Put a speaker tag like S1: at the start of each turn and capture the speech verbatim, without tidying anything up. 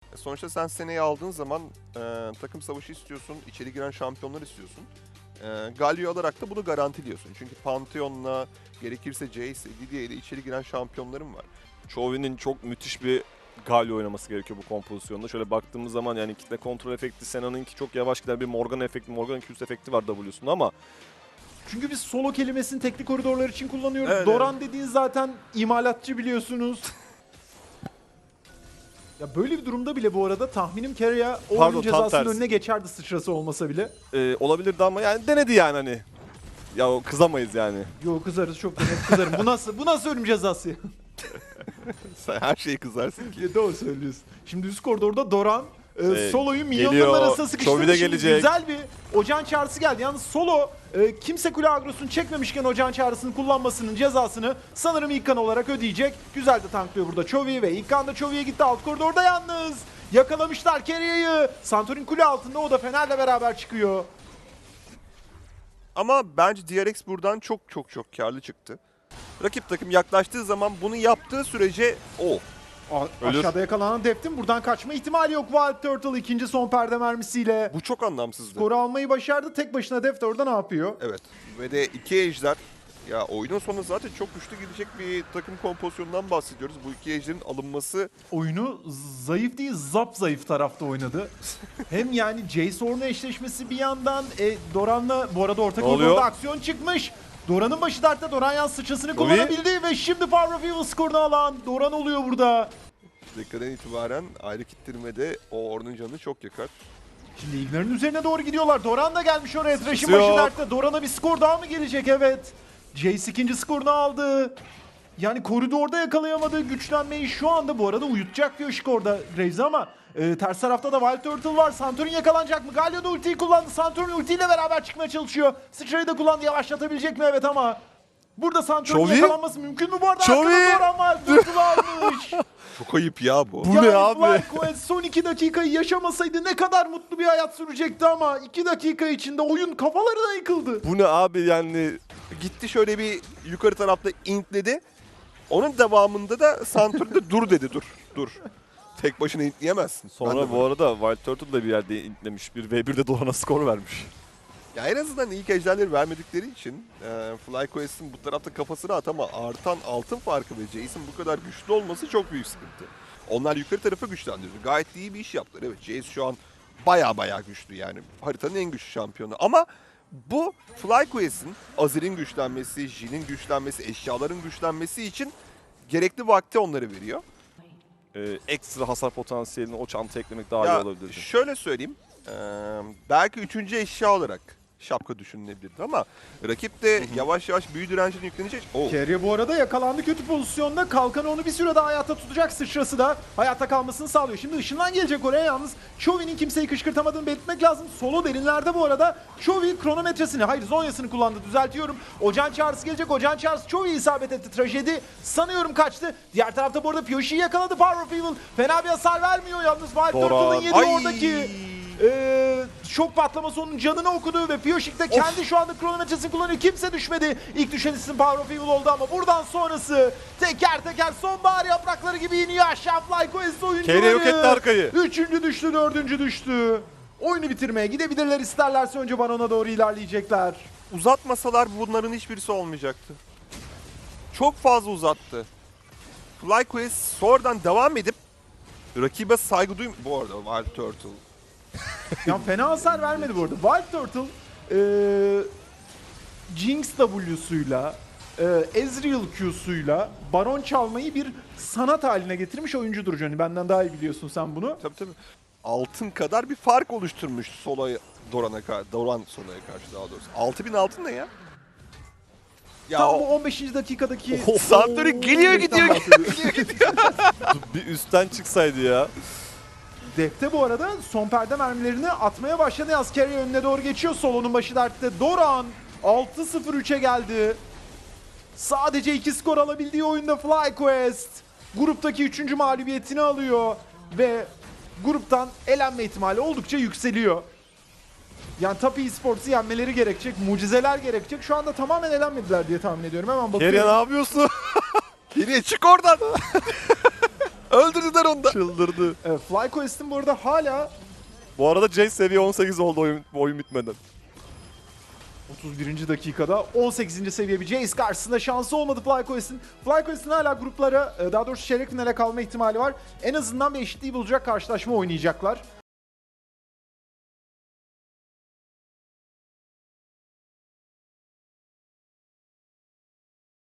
S1: Sonuçta sen seneyi aldığın zaman e, takım savaşı istiyorsun, içeri giren şampiyonlar istiyorsun. E, Galio alarak da bunu garantiliyorsun. Çünkü Pantheon'la, gerekirse Jace, Lidia ile içeri giren şampiyonlarım var.
S2: Chovyy'nin çok müthiş bir Galio oynaması gerekiyor bu kompozisyonda. Şöyle baktığımız zaman yani kitle kontrol efekti, Senna'nınki çok yavaş giden bir Morgan efekti, Morgan iki üst efekti var W'sunda ama
S3: Çünkü biz solo kelimesini tekli koridorlar için kullanıyoruz.
S1: Evet,
S3: Doran
S1: evet.
S3: dediğin zaten imalatçı biliyorsunuz. Ya böyle bir durumda bile bu arada tahminim Keria o
S2: Pardon,
S3: oyun
S2: tam
S3: cezasının
S2: tersi.
S3: önüne geçerdi sıçrası olmasa bile.
S2: e, olabilirdi ama yani denedi yani hani. Ya o kızamayız yani.
S3: Yo kızarız çok da net kızarım. Bu nasıl bu nasıl ölüm cezası?
S1: Sen her şeyi kızarsın ki.
S3: Ya doğru söylüyorsun. Şimdi üst koridorda Doran e,
S2: Ee,
S3: Solo'yu milyonların
S2: geliyor,
S3: arasına sıkıştırdı.
S2: Chovy de
S3: Şimdi
S2: gelecek.
S3: güzel bir ocağın çağrısı geldi. Yalnız Solo e, kimse kule agrosunu çekmemişken ocağın çağrısını kullanmasının cezasını sanırım İlkan olarak ödeyecek. Güzel de tanklıyor burada Chovy ve İlkan da Chovy'ye gitti alt koridorda yalnız. Yakalamışlar Keria'yı. Santorin kule altında, o da Fener'le beraber çıkıyor.
S1: Ama bence D R X buradan çok çok çok karlı çıktı. Rakip takım yaklaştığı zaman bunu yaptığı sürece o.
S3: A-
S2: Ölür.
S3: Aşağıda yakalanan Deft'in buradan kaçma ihtimali yok. Wild Turtle ikinci son perde mermisiyle
S1: Bu çok anlamsızdı.
S3: skoru almayı başardı. Tek başına Deft orada ne yapıyor?
S1: Evet. Ve de iki ejder. Ya oyunun sonu zaten çok güçlü gidecek bir takım kompozisyonundan bahsediyoruz. Bu iki ejderin alınması
S3: Oyunu zayıf değil, zap zayıf tarafta oynadı. Hem yani Jace Ornn eşleşmesi bir yandan, e, Doran'la bu arada orta
S2: Ne oluyor?
S3: koridorda aksiyon çıkmış. Doran'ın başı dertte, Doran yan sıçrasını
S2: Chovy.
S3: kullanabildi ve şimdi Power of Evil skorunu alan Doran oluyor burada.
S1: dakikadan itibaren ayrı kittirmede o Ornn'un canını çok yakar.
S3: Şimdi Ignar'ın üzerine doğru gidiyorlar. Doran da gelmiş oraya. Thresh'in
S2: Yok.
S3: başı dertte. Doran'a bir skor daha mı gelecek? Evet. Jace ikinci skorunu aldı. Yani koridorda yakalayamadığı güçlenmeyi şu anda bu arada uyutacak diyor Şikor'da Graves ama e, ters tarafta da Wild Turtle var. Santorin yakalanacak mı? Galio da ultiyi kullandı. Santorin ultiyle beraber çıkmaya çalışıyor. Sıçrayı da kullandı. Yavaşlatabilecek mi? Evet ama burada Santorin
S2: Chovy.
S3: yakalanması mümkün mü bu arada?
S2: Chovy.
S3: Arkada Doran Wild Turtle almış.
S1: Çok ayıp ya bu.
S2: Bu
S3: Yani
S2: ne abi?
S3: FlyQuest son iki dakikayı yaşamasaydı ne kadar mutlu bir hayat sürecekti ama iki dakika içinde oyun kafalarına yıkıldı.
S2: Bu ne abi yani?
S1: Gitti şöyle bir yukarı tarafta intledi. Onun devamında da Santorin de dur dedi dur. Dur. Tek başına intleyemezsin. Ben de
S2: Sonra bu
S1: böyle.
S2: arada Wild Turtle da bir yerde intlemiş. Bir ve birde Doran'a skor vermiş.
S1: Ya en azından ilk ejderleri vermedikleri için e, FlyQuest'in bu tarafta kafasını at ama artan altın farkı ve Jace'in bu kadar güçlü olması çok büyük sıkıntı. Onlar yukarı tarafı güçlendiriyor. Gayet iyi bir iş yaptılar. Evet, Jace şu an baya baya güçlü yani. Haritanın en güçlü şampiyonu. Ama bu FlyQuest'in, Azir'in güçlenmesi, Jin'in güçlenmesi, eşyaların güçlenmesi için gerekli vakti onları veriyor.
S2: Ee, ekstra hasar potansiyelini o çantaya eklemek daha iyi
S1: Ya
S2: olabilirdi.
S1: şöyle söyleyeyim. eee, belki üçüncü eşya olarak şapka düşünülebilirdi ama rakip de yavaş yavaş büyü direncine yüklenecek. Oh.
S3: Keria bu arada yakalandı kötü pozisyonda. Kalkanı onu bir süre daha hayatta tutacak. Sıçrası da hayatta kalmasını sağlıyor. Şimdi ışından gelecek oraya yalnız. Chovy'nin kimseyi kışkırtamadığını belirtmek lazım. Solo derinlerde bu arada. Chovy kronometresini, hayır zonyasını kullandı, düzeltiyorum. Ocağın çağrısı gelecek. Ocağın çağrısı Chovy'ye isabet etti. Trajedi sanıyorum kaçtı. Diğer tarafta bu arada Pyoshi'yi yakaladı. Power of Evil fena bir hasar vermiyor yalnız. Wild
S2: Doran.
S3: Turtle'ın yedi
S1: Ay.
S3: oradaki Ee, şok patlaması onun canını okudu ve Piyoşik de kendi şu anda kronometresini kullanıyor. Kimse düşmedi. İlk düşen isim Power of Evil oldu ama buradan sonrası teker teker sonbahar yaprakları gibi iniyor aşağı FlyQuest oyuncuları.
S2: Keria yok etti arkayı.
S3: Üçüncü düştü, dördüncü düştü. Oyunu bitirmeye gidebilirler, isterlerse önce Baron'a doğru ilerleyecekler.
S1: Uzatmasalar bunların hiçbirisi olmayacaktı. Çok fazla uzattı. FlyQuest sonradan devam edip rakibe saygı duym... Bu arada Wild Turtle.
S3: Ya fena hasar vermedi bu arada. Wild Turtle eee Jinx W'suyla, eee Ezreal Q'suyla Baron çalmayı bir sanat haline getirmiş oyuncudur Johnny. Benden daha iyi biliyorsun sen bunu.
S1: Tabii tabii. Altın kadar bir fark oluşturmuş Sola'ya, Doran'a karşı, Doran Sola'ya karşı daha doğrusu. altı bin altın ne ya? Ya
S3: Tam
S1: o-
S3: bu on beşinci dakikadaki...
S2: Oh,
S1: Santorin geliyor gidiyor, geliyor gidiyor.
S2: Bir üstten çıksaydı ya.
S3: Defte bu arada son perde mermilerini atmaya başladı. Yaz Keria önüne doğru geçiyor. Solo'nun başı dertte. Doran altı sıfır üçe geldi. Sadece iki skor alabildiği oyunda FlyQuest gruptaki üçüncü mağlubiyetini alıyor ve gruptan elenme ihtimali oldukça yükseliyor. Yani Tapi Esports'u yenmeleri gerekecek, mucizeler gerekecek. Şu anda tamamen elenmediler diye tahmin ediyorum. Hemen bakıyorum.
S2: Keria ne yapıyorsun?
S1: Geriye çık oradan. Öldürdüler onu da.
S2: Çıldırdı.
S3: Evet, FlyQuest'in bu arada hala
S2: Bu arada Jace seviye on sekiz oldu oyun, oyun bitmeden.
S3: otuz birinci dakikada on sekizinci seviye bir Jace karşısında şansı olmadı FlyQuest'in. FlyQuest'in hala gruplara, daha doğrusu çeyrek finale kalma ihtimali var. En azından bir eşitliği bulacak karşılaşma oynayacaklar.